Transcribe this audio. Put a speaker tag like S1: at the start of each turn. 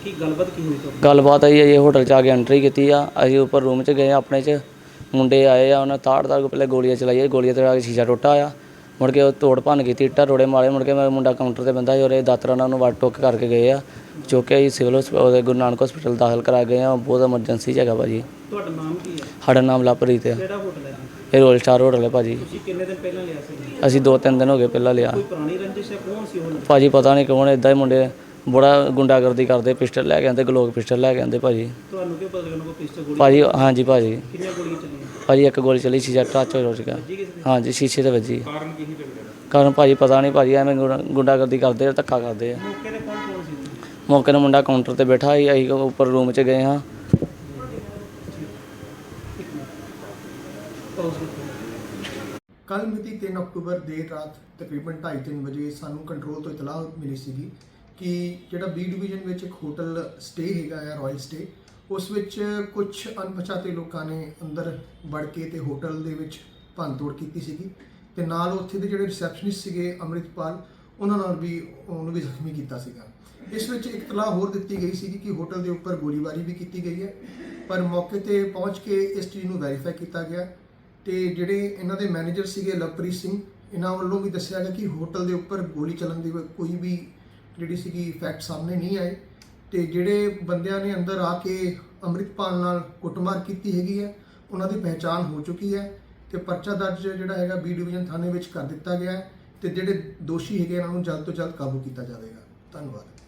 S1: ਕੀ ਗੱਲਬਾਤ ਕੀ ਹੋਈ ਤੁਹਾਡੀ?
S2: ਗੱਲਬਾਤ ਆਈ ਅਜੇ ਹੋਟਲ 'ਚ ਆ ਕੇ ਐਂਟਰੀ ਕੀਤੀ ਆ। ਅਸੀਂ ਉੱਪਰ ਰੂਮ 'ਚ ਗਏ ਆਪਣੇ 'ਚ, ਮੁੰਡੇ ਆਏ ਆ, ਉਹਨਾਂ ਤਾੜ ਕੇ ਪਹਿਲੇ ਗੋਲੀਆਂ ਚਲਾਈਆਂ, ਗੋਲੀਆਂ ਤੇ ਆ ਕੇ ਸ਼ੀਸ਼ਾ ਟੁੱਟਾ ਆ। ਮੁੜ ਕੇ ਉਹ ਤੋੜ ਭੰਨ ਕੀਤੀ, ਇੱਟਾਂ ਰੋੜੇ ਮਾਰੇ। ਮੁੜ ਕੇ ਮੈਂ ਮੁੰਡਾ ਕਾਊਂਟਰ 'ਤੇ ਬੰਦਾ ਸੀ, ਉਹਦੇ ਦਾਤਰਾ ਨਾਲ ਉਹਨੂੰ ਵੱਢ ਟੁੱਕ ਕਰਕੇ ਗਏ ਆ। ਚੁੱਕ ਕੇ ਅਸੀਂ ਸਿਵਲ ਉਹਦੇ ਗੁਰੂ ਨਾਨਕ ਹਸਪੀਟਲ ਦਾਖਲ ਕਰਾ ਗਏ ਆ। ਬਹੁਤ ਐਮਰਜੈਂਸੀ 'ਚ ਹੈਗਾ ਭਾਜੀ।
S1: ਤੁਹਾਡਾ ਨਾਮ ਕੀ ਹੈ?
S2: ਸਾਡਾ ਨਾਮ ਲਵਪ੍ਰੀਤ ਹੈ।
S1: ਕਿਹੜਾ ਹੋਟਲ ਹੈ?
S2: ਇਹ ਰੋਲ ਸਟਾਰ ਹੋਟਲ ਹੈ ਭਾਜੀ।
S1: ਤੁਸੀਂ ਕਿੰਨੇ ਦਿਨ ਪਹਿਲਾਂ ਲਿਆ ਸੀ?
S2: ਅਸੀਂ 2-3 ਦਿਨ ਹੋ ਗਏ ਪਹਿਲਾਂ ਲਿਆ।
S1: ਕੋਈ ਪੁਰਾਣੀ ਰੰਜਿਸ਼ ਹੈ? ਕੌਣ ਸੀ ਉਹ?
S2: ਭਾਜੀ ਪਤਾ ਨਹੀਂ ਕੌਣ, ਇੱਦਾਂ ਹੀ ਮੁੰਡੇ ਬੜਾ ਗੁੰਡਾਗਰਦੀ ਕਰਦੇ, ਪਿਸਟਲ ਲੈ ਕੇ ਆਉਂਦੇ, ਗਲੋਕ ਪਿਸਟਲ ਲੈ ਕੇ ਆਉਂਦੇ ਭਾਜੀ।
S1: ਤੁਹਾਨੂੰ ਕੀ ਪਤਾ ਲੱਗਣਾ ਕੋਈ ਪਿਸਟਲ ਗੋਲੀ?
S2: ਭਾਜੀ ਹਾਂਜੀ ਭਾਜੀ।
S1: ਕਿੰਨੀਆਂ ਗੋਲੀਆਂ ਚੱਲੀਆਂ?
S2: ਭਾਜੀ ਇੱਕ ਗੋਲੀ ਚੱਲੀ, ਸ਼ੀਸ਼ਾ ਟੱਚ ਹੋ ਗਿਆ।
S1: ਵੱਜੀ ਕਿਸੇ ਦੇ?
S2: ਹਾਂਜੀ ਸ਼ੀਸ਼ੇ ਤੇ ਵੱਜੀ।
S1: ਕਾਰਨ ਕੀ ਸੀ ਲੱਗਦਾ?
S2: ਕਾਰਨ ਭਾਜੀ ਪਤਾ ਨਹੀਂ ਭਾਜੀ, ਐਵੇਂ ਗੁੰਡਾਗਰਦੀ ਕਰਦੇ ਆ, ਧੱਕਾ ਕਰਦੇ ਆ।
S1: ਮੌਕੇ ਤੇ ਕੌਣ ਸੀ?
S2: ਮੌਕੇ ਨੂੰ ਮੁੰਡਾ ਕਾਊਂਟਰ ਤੇ ਬੈਠਾ ਸੀ, ਅਸੀਂ ਉੱਪਰ ਰੂਮ 'ਚ ਗਏ ਹਾਂ।
S3: ਕੱਲ੍ਹ ਮਿਤੀ 3 ਅਕਤੂਬਰ ਦੇਰ ਰਾਤ ਤਕਰੀਬਨ 2:30-3 ਵਜੇ ਸਾਨੂੰ ਕੰਟਰੋਲ ਤੋਂ ਇਤਲਾਹ ਮਿਲੀ ਸੀਗੀ ਕਿ ਜਿਹੜਾ ਬੀ ਡਿਵੀਜ਼ਨ ਵਿੱਚ ਇੱਕ ਹੋਟਲ ਸਟੇ ਹੈਗਾ ਆ, ਰਾਇਲ ਸਟੇ, ਉਸ ਵਿੱਚ ਕੁਝ ਅਣਪਛਾਤੇ ਲੋਕਾਂ ਨੇ ਅੰਦਰ ਵੜ ਕੇ ਤੇ ਹੋਟਲ ਦੇ ਵਿੱਚ ਭੰਨਤੋੜ ਕੀਤੀ ਸੀਗੀ ਤੇ ਨਾਲ ਉੱਥੇ ਦੇ ਜਿਹੜੇ ਰਿਸੈਪਸ਼ਨਿਸਟ ਸੀਗੇ ਅੰਮ੍ਰਿਤਪਾਲ, ਉਹਨਾਂ ਨਾਲ ਵੀ ਉਹਨੂੰ ਵੀ ਜ਼ਖਮੀ ਕੀਤਾ ਸੀਗਾ। ਇਸ ਵਿੱਚ ਇੱਕ ਇਤਲਾਹ ਹੋਰ ਦਿੱਤੀ ਗਈ ਸੀਗੀ ਕਿ ਹੋਟਲ ਦੇ ਉੱਪਰ ਗੋਲੀਬਾਰੀ ਵੀ ਕੀਤੀ ਗਈ ਹੈ, ਪਰ ਮੌਕੇ ਤੇ ਪਹੁੰਚ ਕੇ ਇਸ ਚੀਜ਼ ਨੂੰ ਵੈਰੀਫਾਈ ਕੀਤਾ ਗਿਆ ਤੇ ਜਿਹੜੇ ਇਹਨਾਂ ਦੇ ਮੈਨੇਜਰ ਸੀਗੇ ਲਵਪ੍ਰੀਤ ਸਿੰਘ, ਇਹਨਾਂ ਵੱਲੋਂ ਵੀ ਦੱਸਿਆ ਗਿਆ ਕਿ ਹੋਟਲ ਦੇ ਉੱਪਰ ਗੋਲੀ ਚੱਲਣ ਦੀ ਕੋਈ ਵੀ ਜਿਹੜੀ ਸੀਗੀ ਫੈਕਟ ਸਾਹਮਣੇ ਨਹੀਂ ਆਏ ਤੇ ਜਿਹੜੇ ਬੰਦਿਆਂ ਨੇ ਅੰਦਰ ਆ ਕੇ ਅੰਮ੍ਰਿਤਪਾਲ ਨਾਲ ਕੁੱਟਮਾਰ ਕੀਤੀ ਹੈਗੀ ਹੈ, ਉਹਨਾਂ ਦੀ ਪਹਿਚਾਣ ਹੋ ਚੁੱਕੀ ਹੈ ਤੇ ਪਰਚਾ ਦਰਜ ਜਿਹੜਾ ਹੈਗਾ ਬੀ ਡਿਵੀਜ਼ਨ ਥਾਣੇ ਵਿੱਚ ਕਰ ਦਿੱਤਾ ਗਿਆ ਹੈ ਤੇ ਜਿਹੜੇ ਦੋਸ਼ੀ ਹੈਗੇ ਇਹਨਾਂ ਨੂੰ ਜਲਦ ਤੋਂ ਜਲਦ ਕਾਬੂ ਕੀਤਾ ਜਾਵੇਗਾ। ਧੰਨਵਾਦ।